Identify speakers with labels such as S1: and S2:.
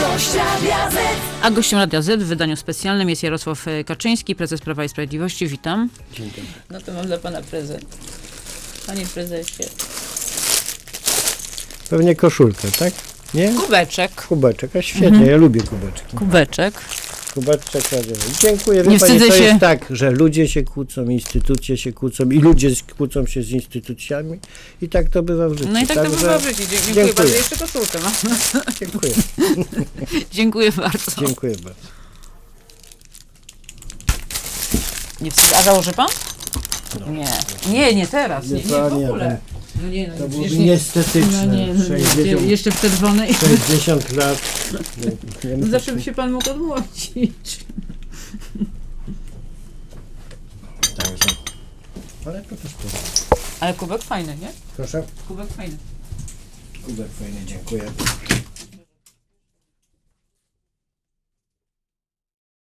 S1: Gość Radia Z.
S2: A gościem Radia Z w wydaniu specjalnym jest Jarosław Kaczyński, prezes Prawa i Sprawiedliwości. Witam.
S3: Dzień dobry.
S2: No to mam dla pana prezent. Panie prezesie.
S3: Pewnie koszulkę, tak? Nie?
S2: Kubeczek.
S3: Kubeczek, a świetnie, ja lubię kubeczki.
S2: Kubeczek.
S3: Kubeczek radiowy. Dziękuję.
S2: Nie
S3: Wie pani,
S2: wstydzę
S3: to
S2: się.
S3: jest tak, że ludzie się kłócą, instytucje się kłócą i ludzie kłócą się z instytucjami i tak to bywa w życiu.
S2: No i tak to
S3: Także
S2: bywa w życiu. Dziękuję
S3: dziękuję.
S2: bardzo. Jeszcze koszulkę mam.
S3: Dziękuję.
S2: Dziękuję bardzo.
S3: Dziękuję bardzo.
S2: Nie wstyd. A założy pan? Nie. Nie teraz. Nie w
S3: Panie,
S2: ogóle. No nie, no
S3: to byłoby
S2: przecież nie.
S3: niestetyczne.
S2: No nie, no
S3: 60,
S2: jeszcze w czerwonej.
S3: 60 lat.
S2: No zawsze by się pan mógł odmłodzić.
S3: Także. Ale to też podoba.
S2: Ale kubek fajny, nie?
S3: Proszę.
S2: Kubek fajny.
S3: Kubek fajny, dziękuję.